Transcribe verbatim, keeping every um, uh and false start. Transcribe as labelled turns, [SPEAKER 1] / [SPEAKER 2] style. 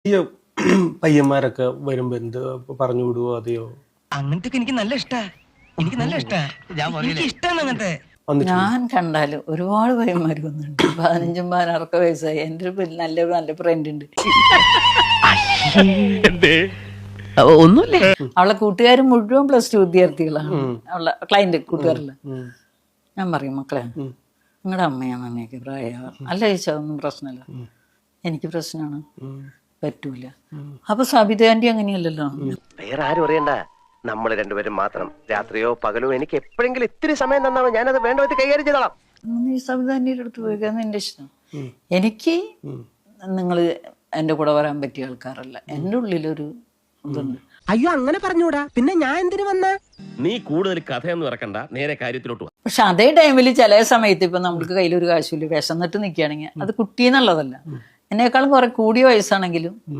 [SPEAKER 1] ഈ പയ്യന്മാരൊക്കെ വരുമ്പോ എന്ത് പറഞ്ഞു വിടുവോ അതെയോ?
[SPEAKER 2] അങ്ങനത്തെ എനിക്ക് നല്ല ഇഷ്ടാ എനിക്ക് നല്ല ഇഷ്ടാ എനിക്ക് ഇഷ്ടാണ് അങ്ങനത്തെ.
[SPEAKER 3] ഞാൻ കണ്ടാല് ഒരുപാട് പയ്യന്മാർ വന്നിട്ടുണ്ട്. പതിനഞ്ചും പതിനാറൊക്കെ വയസ്സായി. എൻ്റെ ഒരു നല്ലൊരു നല്ല ഫ്രണ്ട് ഉണ്ട്.
[SPEAKER 2] ഒന്നുമില്ല.
[SPEAKER 3] അവളെ കൂട്ടുകാർ മുഴുവൻ പ്ലസ് ടു വിദ്യാർത്ഥികളാണ്. അവളെ ക്ലൈന്റ് കൂട്ടുകാരില്ല. ഞാൻ പറയും, മക്കളെ നിങ്ങളുടെ അമ്മയാണ് അമ്മയൊക്കെ പ്രായം. അല്ല ചോദിച്ചാൽ ഒന്നും പ്രശ്നമില്ല. എനിക്ക് പ്രശ്നമാണ്, പറ്റൂല. അപ്പൊ സബിത ആന്റി അങ്ങനെയല്ലല്ലോ.
[SPEAKER 4] വേറെ ആരും അറിയണ്ട, നമ്മൾ രണ്ടുപേരും മാത്രം. രാത്രിയോ പകലോ എനിക്ക് എപ്പോഴെങ്കിലും ഇത്തിരി സമയം തന്നാണ് ഞാനത് വേണ്ട വിധത്തിൽ കൈകാര്യം ചെയ്തോളാം.
[SPEAKER 3] നീ സബിത ആന്റിയുടെ അടുത്ത് പോയിക്കാന്ന് എന്റെ ഇഷ്ടം. എനിക്ക് നിങ്ങൾ എൻ്റെ കൂടെ വരാൻ പറ്റിയ ആൾക്കാരല്ല. എൻ്റെ ഉള്ളിലൊരു ഇതുണ്ട്.
[SPEAKER 2] അയ്യോ അങ്ങനെ പറഞ്ഞൂടാ, പിന്നെ ഞാൻ എന്തിനു വന്ന?
[SPEAKER 4] നീ കൂടുതൽ കഥയൊന്നും ഇറക്കണ്ട, നേരെ കാര്യത്തിലോട്ട്.
[SPEAKER 3] പക്ഷെ അതേ ടൈമിൽ ചില സമയത്ത് ഇപ്പൊ നമുക്ക് കയ്യിലൊരു കാശില്ല, വിശന്നിട്ട് നിൽക്കുകയാണെങ്കിൽ അത് കുട്ടി എന്നുള്ളതല്ല. എന്നെക്കാളും കുറെ കൂടിയ വയസ്സാണെങ്കിലും